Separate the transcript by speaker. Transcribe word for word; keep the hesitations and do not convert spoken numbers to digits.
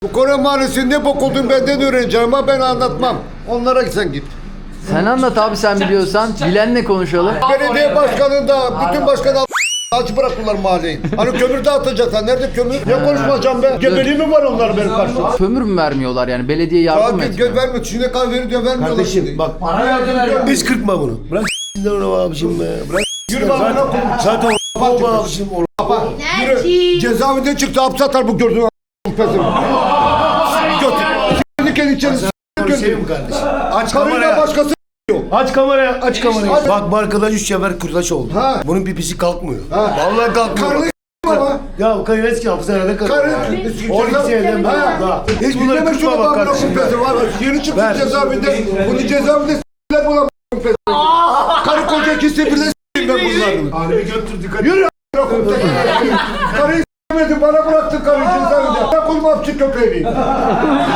Speaker 1: Bu Kore Mahallesi'nin ne bok olduğunu benden öğreneceğim ama ben anlatmam. Onlara sen git.
Speaker 2: Sen anlat abi sen biliyorsan. Bilenle konuşalım.
Speaker 1: Belediye başkanında bütün başkan aç bıraktılar mahalleyi. Hani kömür dağıtacaklar. Nerede kömür? Ne konuşmayacağım be? Gebeliği mi var onlar benim karşımda?
Speaker 2: Kömür mü vermiyorlar yani? Belediye yardım mı
Speaker 1: Takip
Speaker 2: etmiyor?
Speaker 1: göz vermiyor. Şimdi kan veriyor diyor vermiyorlar.
Speaker 3: Kardeşim bak biz kırpma bunu. Bırak s***den onu abicim be. Bırak
Speaker 1: Yürü bak bana konuş.
Speaker 3: zaten o abicim o.
Speaker 1: Baba yürü. Cezaevinden çıktı hapse atar bu gördüğün a**pesim. Götür. Kendi kendi içeri
Speaker 3: Sevim kardeşim. Aç
Speaker 1: Karıyla
Speaker 3: kamerayı.
Speaker 1: başkası
Speaker 3: Aç kamerayı. Aç kamerayı.
Speaker 1: Aç.
Speaker 3: Bak bu arkadaş üç sefer kurtaş oldu.
Speaker 1: Ha.
Speaker 3: Bunun pipisi kalkmıyor.
Speaker 1: Ha.
Speaker 3: Vallahi kalkmıyor.
Speaker 1: Karını baba.
Speaker 3: Ya karı eski hapishanede kalıyor.
Speaker 1: Karı.
Speaker 3: on iki seneden beri
Speaker 1: Ha.
Speaker 3: daha. Hiç bunları
Speaker 1: Dinleme şunu
Speaker 3: kırpma bak
Speaker 1: bak
Speaker 3: kardeşim.
Speaker 1: Yeni çıktı
Speaker 3: Ver.
Speaker 1: cezaevinde. Bunu cezaevinde s**ler bulan pezir. Karı koca ikisi birle s**eyim ben bunlarını.
Speaker 3: Harbi götür dikkat.
Speaker 1: Yürü a**ına koyayım. Karıyı s**medin bana bıraktın karıyı cezaevinde. Ben kulum hapçı köpeğini.